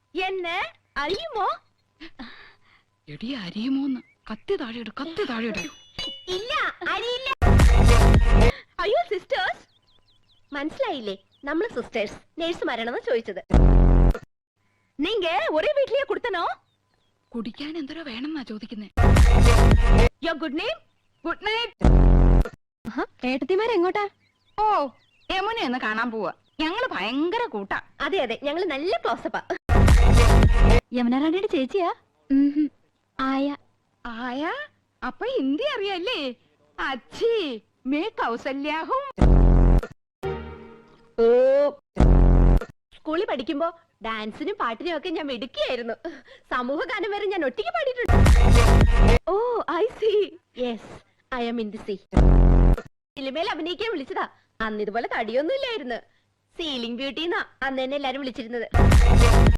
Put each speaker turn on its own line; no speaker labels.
എന്നെ അറിയുമോ?
എടി അരിയുമോന്ന്. കത്തി താഴെയിട്, കത്തി താഴെയിട്.
ഇല്ല, അറിയില്ല. അയ്യോ സിസ്റ്റേഴ്സ്, മനസ്സിലായില്ലേ? നമ്മള് സിസ്റ്റേഴ്സ് നേഴ്സുമാരാണെന്ന് ചോദിച്ചത്. നീങ്ക ഒരേ വീട്ടിലേ കൊടുത്തനോ?
കുടിക്കാൻ എന്തോരോ വേണമെന്നാ ചോദിക്കുന്നേ.
Your good name.
Good night.
ഏട്ടത്തിമാരെങ്ങോട്ടാ?
ഓ, യമുനെ ഒന്ന് കാണാൻ പോവാ. ഞങ്ങള് ഭയങ്കര കൂട്ടാ.
അതെ അതെ, ഞങ്ങള് നല്ല ക്ലോസപ്പാ.
യമുന റാണിയുടെ ചേച്ചിയാ? ആയ.
ആയ? അപ്പൊ ഹിന്ദി അറിയല്ലേ? അച്ഛി മേ കൗസല്യാഹും.
ഓ, സ്കൂളിൽ പഠിക്കുമ്പോ ഡാൻസിനും പാട്ടിനും ഒക്കെ ഞാൻ മിടുക്കിയായിരുന്നു. സമൂഹ ഗാനം വരെ ഞാൻ ഒറ്റയ്ക്ക് പാടിയിട്ടുണ്ട്. Oh I see. Yes, I am in the sea. സിനിമയിൽ അഭിനയിക്കാൻ വിളിച്ചതാ. അന്ന് ഇതുപോലെ തടിയൊന്നും ഇല്ലായിരുന്നു. സീലിംഗ് ബ്യൂട്ടി എന്നാ അന്ന് തന്നെ എല്ലാരും വിളിച്ചിരുന്നത്.